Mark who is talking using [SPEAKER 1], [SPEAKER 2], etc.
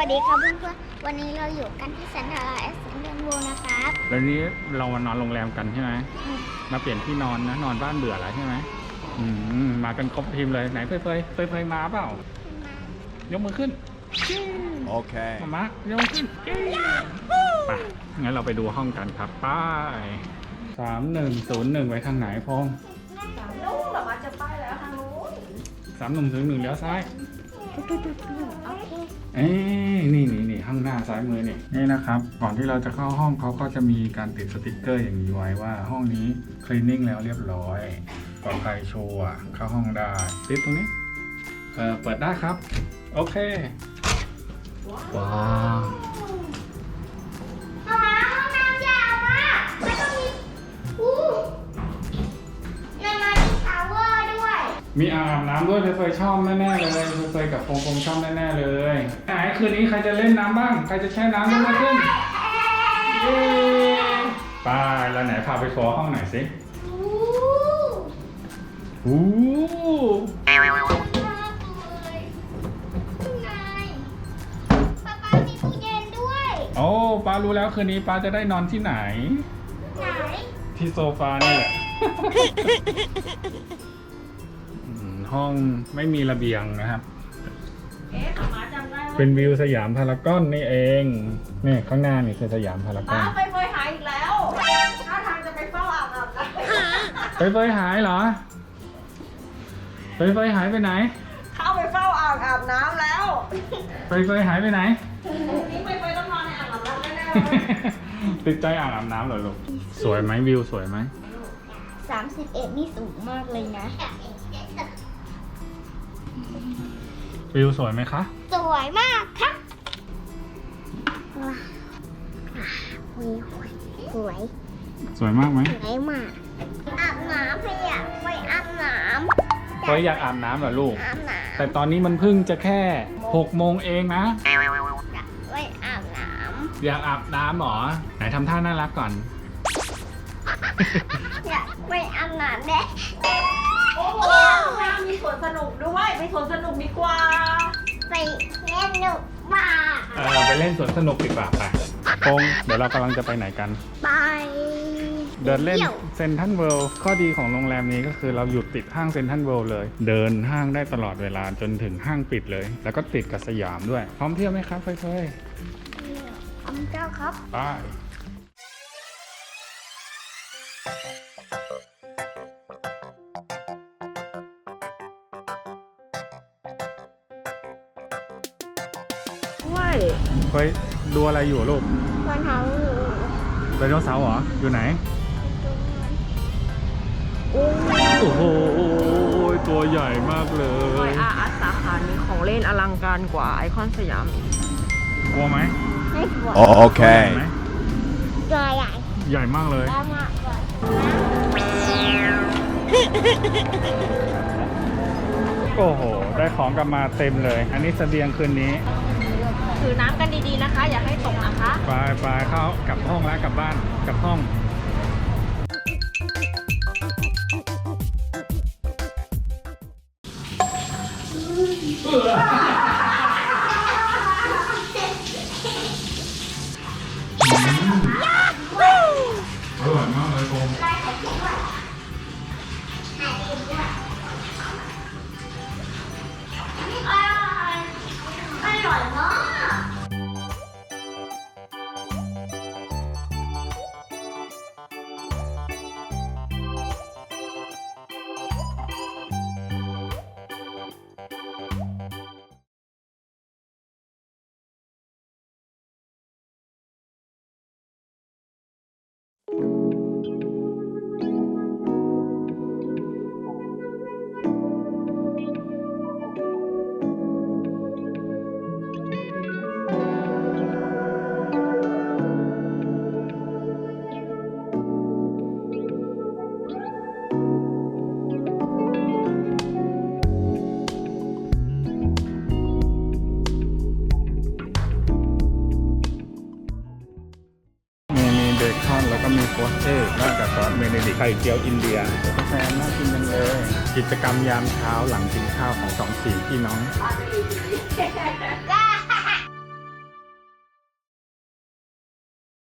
[SPEAKER 1] วัสดีครับเพื่อนๆวันนี้เราอยู่กันที่เซ็นทรัลเอสเซนต์โวนะครับ
[SPEAKER 2] แล้วนี้เรามานอนโรงแรมกันใช่ไหมมาเปลี่ยนที่นอนนะนอนบ้านเบื่อแล้วใช่ไหมมากันครบทีมเลยไหนเฟยมาเปล่า ยกมือขึ้นโอเคมายกมือขึ้นไปงั้นเราไปดูห้องกันครับป้าย3101ไว้ทางไหนพงษ์
[SPEAKER 3] นู่นแบบว่าจะไปแล้วทางนู้น
[SPEAKER 2] 3101เลี้ยวซ้าย
[SPEAKER 1] โอเค
[SPEAKER 2] เอ้ยนี่ข้างหน้าซ้ายมือนี่นะครับก่อนที่เราจะเข้าห้องเขาก็จะมีการติดสติกเกอร์อย่างนี้ไว้ว่าห้องนี้คลีนนิ่งแล้วเรียบร้อยปลอดภัยชัวร์เข้าห้องได้ติดตรงนี้เปิดได้ครับโอเคว้าว
[SPEAKER 1] ห้องน้ำยาวมากแล้วก็มีมันมีชาวเวอร์ด้วย
[SPEAKER 2] มีอ่างอาบน้ำด้วยเฟยชอบแน่ๆเลยเฟยกับฟงชอบแน่ๆเลยไหนคืนนี้ใครจะเล่นน้ำบ้างใครจะแช่น้ำยกมือขึ้นเย้ไปแล้วไหนพาไปทัวร์ห้องไหนสิโอ้
[SPEAKER 1] น่าเลยข้างในป๊าป๊ามีตู้เย็นด้วย
[SPEAKER 2] โอ้ป้ารู้แล้วคืนนี้ป้าจะได้นอนที่ไหน
[SPEAKER 1] ไหน
[SPEAKER 2] ที่โซฟานี่แหละ ห้องไม่มีระเบียงนะครับ
[SPEAKER 3] หมาจำได้ว่า
[SPEAKER 2] เป็นวิวสยามพารากอนนี่เองนี่ข้างหน้านี่คือสยามพารากอน
[SPEAKER 3] ไปหายอีกแล้วท่าทางจะไปเฝ้าอาบน้ำแล้ว
[SPEAKER 2] เฟยหายเหรอเฟยหายไปไหน
[SPEAKER 3] เข้าไปเฝ้าอาบน้ำแล้ว
[SPEAKER 2] เฟยหายไปไหน
[SPEAKER 3] นี่ไปต้องนอนในอ่างอาบน้ำแน่
[SPEAKER 2] ติดใจอ่างอาบน้ำเหรอลูกสวยไหมวิวสวยไหม
[SPEAKER 1] 31นี่สูงมากเลยนะ
[SPEAKER 2] วิวสวยไหมคะ
[SPEAKER 1] สวยมากครับว้าวสวย
[SPEAKER 2] สวยมากไหม
[SPEAKER 1] สวยมากอาบน้ำพี่อยากไปอาบน้
[SPEAKER 2] เฟยอยากอาบน้ำเหรอลูก
[SPEAKER 1] ำอาบน้
[SPEAKER 2] แต่ตอนนี้มันเพิ่งจะแค่6 โมงเองนะ
[SPEAKER 1] ำอยากไปอาบน้
[SPEAKER 2] อยากอาบน้ำเหรอไหนทำท่าน่ารักก่อน
[SPEAKER 1] ำอยากไปอาบน้ำเด้
[SPEAKER 3] ๆโอ้โหมีสวนสนุกด้วยไปสวนสนุกดีกว่า
[SPEAKER 1] ไปเล่นหนุกมาก
[SPEAKER 2] ไปเล่นสวนสนุกดีกว่าไปพงเดี๋ยวเรากำลังจะไปไหนกัน
[SPEAKER 1] ไป
[SPEAKER 2] เดินเล่น
[SPEAKER 1] ที่ยว
[SPEAKER 2] เซนทรัลเวิลด์ข้อดีของโรงแรมนี้ก็คือเราอยู่ติดห้างเซนทรัลเวิลด์เลย เดินห้างได้ตลอดเวลาจนถึงห้างปิดเลย แล้วก็ติดกับสยามด้วย พร้อมเที่ยวไหมครับเฟย
[SPEAKER 1] เจ้าครับ
[SPEAKER 2] ๆไปเฟยดูอะไรอยู่ลูก
[SPEAKER 1] วันเท้า
[SPEAKER 2] ไดโนเสาร์เหรอ อยู่ไหน โอ้โห ตัวใหญ่มากเล
[SPEAKER 3] ซอย ยอาร์สาขานี้ของเล่นอลังการกว่าไอคอนสยามอีก
[SPEAKER 2] กลัวไหม
[SPEAKER 1] ไม่กลัว
[SPEAKER 2] ใหญ่ไหม
[SPEAKER 1] ตัวใหญ่
[SPEAKER 2] ใหญ่มากเลย
[SPEAKER 1] มากมากกว่า
[SPEAKER 2] โอ้โห ได้ของกลับมาเต็มเลย อันนี้เสบียงคืนนี้
[SPEAKER 3] ถือน้ำกันดีๆนะคะ อย่าให้ตกนะคะ
[SPEAKER 2] ไปเข้ากลับห้องแล้วกลับบ้านกลับห้องอร่อยมากเลยโฟม
[SPEAKER 1] อร่อยมาก
[SPEAKER 2] มีเบคอนแล้วก็มีโพสเต้ราดกับซอสเบเนดิกต์ไข่เจียวอินเดียกาแฟน่ากินจังเลย กิจกรรมยามเช้าหลังกินข้าวของ2 4พี่น้อง
[SPEAKER 1] ก็